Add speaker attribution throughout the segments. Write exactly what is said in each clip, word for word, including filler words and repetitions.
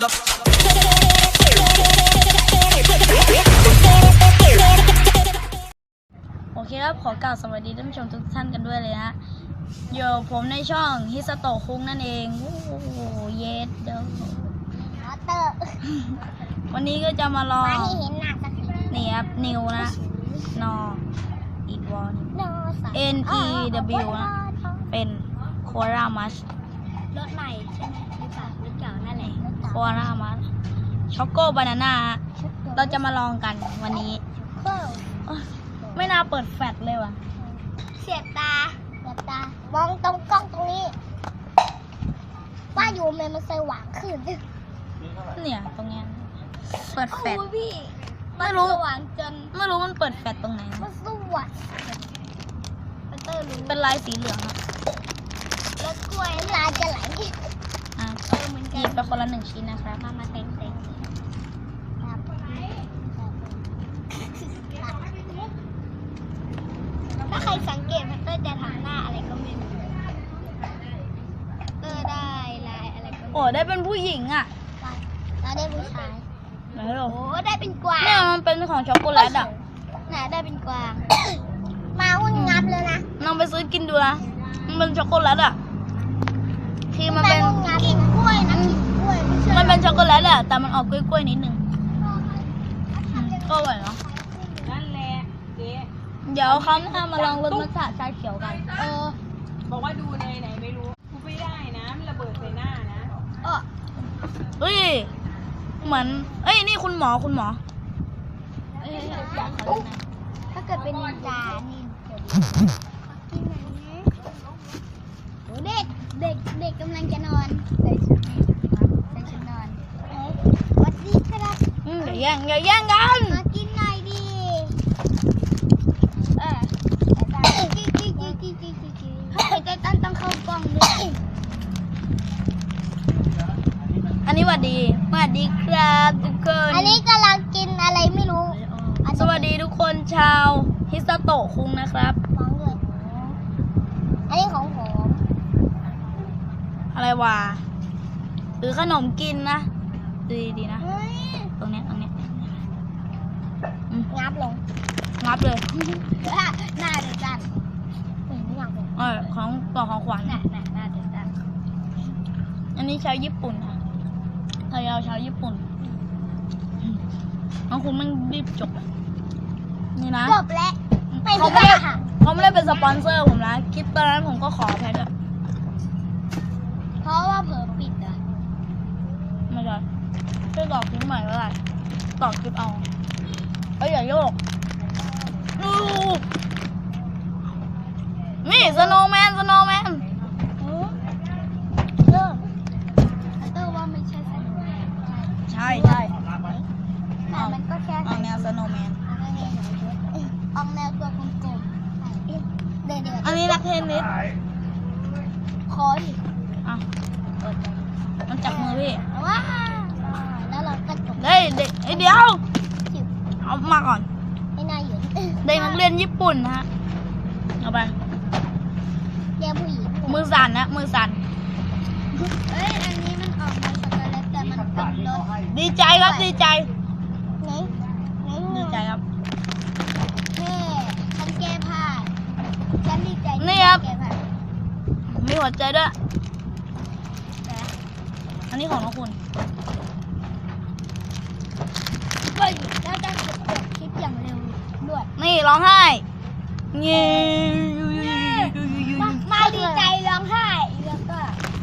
Speaker 1: โอเคครับขอกล่าวสวัสดีท่านผู้ชมทุกท่านกันด้วยเลยนะอยู่ผมในช่องฮิสโตะคุงนั่นเองโอ้โหเยสเด้อวันนี้ก็จะมาลองนี่ครับนิวนะนออีกวอน N E W นะเป็นโครามัส
Speaker 2: รถใหม่ใช่ไหมหรือเปล่ารถเก่านั่นแหละ
Speaker 1: โครามัสช็อกโกบานาน่าเราจะมาลองกันวันนี้ไม่น่าเปิดแฟลชเลยว่ะ
Speaker 2: เสียบตาเสียบตามองตรงกล้องตรงนี้ว่าอยู่มันมันสว่างขึ้น
Speaker 1: เนี่ยตรงเนี้ยเปิดแฟลช
Speaker 2: พี่
Speaker 1: ไม่รู้
Speaker 2: สว่างจน
Speaker 1: ไม่รู้มันเปิดแฟลชตรงไหน
Speaker 2: มันสว่าง
Speaker 1: เป็นลายสีเหลืองอะ
Speaker 2: แล้วกล้วยลายจะไหล
Speaker 1: อ่ะหยิบไปคนละหนึ่งชิ้นนะครับ
Speaker 2: มามาเต็งเต็งถ้าใครสังเกตมันเตอร์จะทำหน้าอะไรก็ไม่รู้เตอร์ได้ลายอะไรก็
Speaker 1: โอ้ได้เป็นผู้หญิงอ่ะ
Speaker 2: แล้วได้ผู้ชาย
Speaker 1: ไหนหรอ
Speaker 2: โอ้ได้เป็นกวาง
Speaker 1: เนี่ยมันเป็นของช็อกโกแลตอ่ะ
Speaker 2: ไหนได้เป็นกวางมาหุ่นงับเลยนะ
Speaker 1: น้องไปซื้อกินดูนะมันเป็นช็อกโกแลตอ่ะที่มันเป็น
Speaker 2: กลิ่นกล้วยนะกลิ่นกล้วย
Speaker 1: มันเป็นช็อกโกแลตอ่ะแต่มันออกกล้วยๆนิดนึงก็อร่อยเนาะ
Speaker 3: นั่นแหละเจ๊
Speaker 1: เดี๋ยวเขาหน้ามาลองรสมัทฉะชาเขียวกัน
Speaker 2: เออ
Speaker 3: บอกว่าดูในไหนไม่รู้กูไม่ได้นะมันระเบิดใส่หน้านะ
Speaker 2: เออ
Speaker 1: เฮ้ยเหมือนเอ้ยนี่คุณหมอคุณหมอ
Speaker 2: ถ้าเกิดเป็นนินจานี่เด็กเด็กเด็กกำลังจะนอนใส่ชุดนี้ใส่ชุดนอนวัดดีครับ
Speaker 1: อืมอย่าแย่งอย่าแย่งกัน
Speaker 2: มากินหน่อยดิเออจีจีจีจีจีจีจีให้ใจตั้นต้องเข้ากล้องด้วย
Speaker 1: อันนี้หวัดดีหวัดดีครับทุกคน
Speaker 2: อันนี้กำลังกินอะไรไม่รู้
Speaker 1: สวัสดีทุกคนชาวฮิสโตะคุงนะครับ
Speaker 2: ฟังเลยอันนี้ของผม
Speaker 1: อะไรวะหรือขนมกินนะดีดีนะตรงเนี้ยตรงเนี้ย
Speaker 2: งับลง
Speaker 1: งับเลย
Speaker 2: หน้าเดือดจันไม่อยากเลย
Speaker 1: เออของกล่องของขวัญ
Speaker 2: หน้าหน้าหน้าเดือดจัน
Speaker 1: อันนี้ชาวญี่ปุ่นค่ะไทยเอาชาวญี่ปุ่นน้องคุณมันรีบจบนี่นะ
Speaker 2: จบแล้ว
Speaker 1: เขาไม่ได้เขาไม่ได้เป็นสปอนเซอร์ผมนะคลิปตอนนั้นผมก็ขอแพ้ด้วย
Speaker 2: เพราะว่าเผลอปิดอ่ะ
Speaker 1: ไม่ได้ช่วยตอกคลิปใหม่ก็ได้ตอกคลิปเอาเอ้ยอย่าโยกนี่สโนว์แมนสโนว์แมน
Speaker 2: เออเตอร์ว่าไม่ใช่สโนว์แมน
Speaker 1: ใช่ใช่
Speaker 2: แต่มันก็แค่
Speaker 1: เอาแนวสโนว์แมน
Speaker 2: ออกแนวตัวกลมๆเดี๋ยว
Speaker 1: อันนี้นักเทนนิส
Speaker 2: คออีก
Speaker 1: อ่ะมันจับมือพี่
Speaker 2: ว้าแล้วเราก็จบ
Speaker 1: เฮ้ยเด็กไอเดียวเอามาก่อน
Speaker 2: ไม่น่าอยู่
Speaker 1: เด็กนักเรียนญี่ปุ่นนะฮะเอาไป
Speaker 2: เรียกผู้หญิง
Speaker 1: มือสั่นนะมือสั่น
Speaker 2: เอ้ยอันนี้มันออกมาช็อกโกแลตแต่มันเป็นรส
Speaker 1: ดีใจครับดีใจ
Speaker 2: ไหนไหน
Speaker 1: ดีใจครับ
Speaker 2: แม่ฉันแก้ผ้าฉันดีใจ
Speaker 1: นี่ครับมีหัวใจด้วยอันนี้ของน้องคุณ
Speaker 2: ก็อยู่แล้วจะกดคลิปอย่างเร็วด้วย
Speaker 1: นี่ร้องไห้เงี้ย
Speaker 2: มาดีใจร้องไห้แล้วก็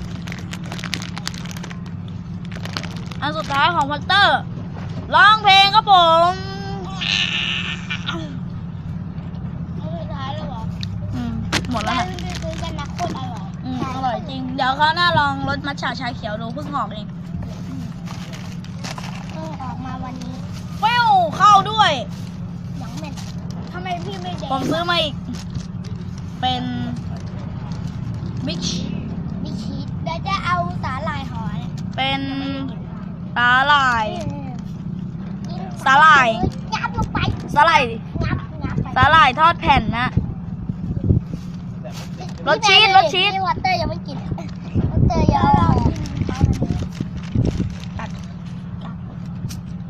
Speaker 1: อันสุดท้ายของพัตเตอร์ร้องเพลงครับผม
Speaker 2: สุดท้ายแล้วเหรอ
Speaker 1: อืมหมดแล้วนะ
Speaker 2: ซื้อกันนะโคตรอร่อย
Speaker 1: อืมอร่อยจริงเดี๋ยวเขาหน้าลองรสมัทฉะชาเขียวดูเพิ่งออกเอง
Speaker 2: เพิ่งออกมาวันนี้
Speaker 1: เว้วเข้าด้วย
Speaker 2: ยังไม่ทำไมพี่ไม่แดง
Speaker 1: ผมซื้อมาอีกเป็นมิช
Speaker 2: มิชีสเดี๋ยวจะเอาสาหร่ายห่อเนี่ย
Speaker 1: เป็นสาหร่ายสาหร่าย
Speaker 2: งับลงไป
Speaker 1: สาหร่าย
Speaker 2: งับงับ
Speaker 1: สาหร่ายทอดแผ่นนะรสชีสรสชีส
Speaker 2: วอเตอร์ยังไม่กินวอเตอร์ยังตัด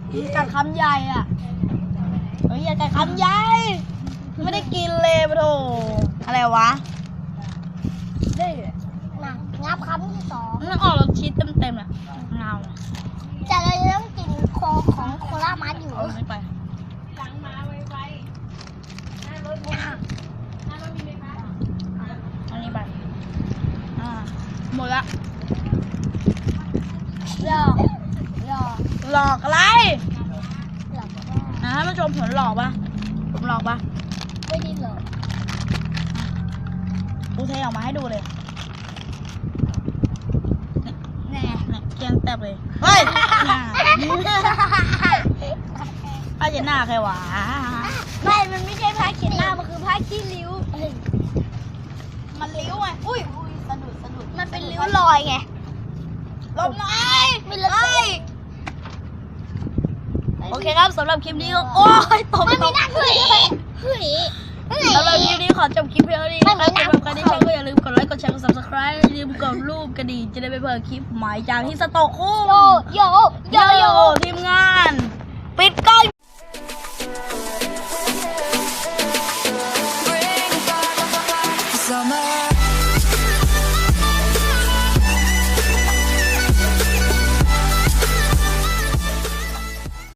Speaker 1: กัดคำใหญ่อ่ะเฮ้ยอย่ากัดคำใหญ่ไม่ได้กินเลยปะโถอะไรวะ
Speaker 2: ได้นะงับคำที่สอง
Speaker 1: มันออกรสชีสเต็มๆเลยเงา
Speaker 2: แต่เราจะต้องกินโคของโคลามัสอยู่
Speaker 1: เอาไม่ไป
Speaker 3: หลังมาไวๆหน้ารถมีหน้ารถมีไหมคะ
Speaker 1: อันนี้ไปอ่าหมดละ
Speaker 2: หลอกหลอก
Speaker 1: หลอกอะไร
Speaker 2: หลอกว่า
Speaker 1: นะท่านผู้ชมผมหลอกปะผมหลอกปะ
Speaker 2: ไม่ได้หลอก
Speaker 1: กูเทออกมาให้ดูเลย
Speaker 2: แน่
Speaker 1: เนี่ยเกลียงแตบเลยเฮ้ยป้าเจนหน้าใครวะ
Speaker 2: ไม่มันไม่ใช่ผ้าเขียนหน้ามันคือผ้าขี้ริ้ว
Speaker 1: มันลิ้วไงอุ้ยอุ้ยสะดุดสะดุด
Speaker 2: มันเป็นริ้วรอยไง
Speaker 1: ลมหน่อย
Speaker 2: ไม่เล
Speaker 1: เฮ้
Speaker 2: ย
Speaker 1: ยโอเคครับสำหรับคลิปนี้ก็โอ้ยตก
Speaker 2: มัน
Speaker 1: ต
Speaker 2: มี
Speaker 1: ก
Speaker 2: หน้าเฮ้ยเฮ้ยเฮ้ย
Speaker 1: สำหรับคลิปนี้ขอจบคลิปเพียงเท่านี้นะครับสำหรับใครที่ชอบก็อย่าลืมกดไลค์กดแชร์กด subscribe อย่าลืมกดรูปกระดิ่งจะได้ไม่เผลอคลิปใหม่จากที่สโตกคู่
Speaker 2: โยโยโยโย
Speaker 1: ทีมงาน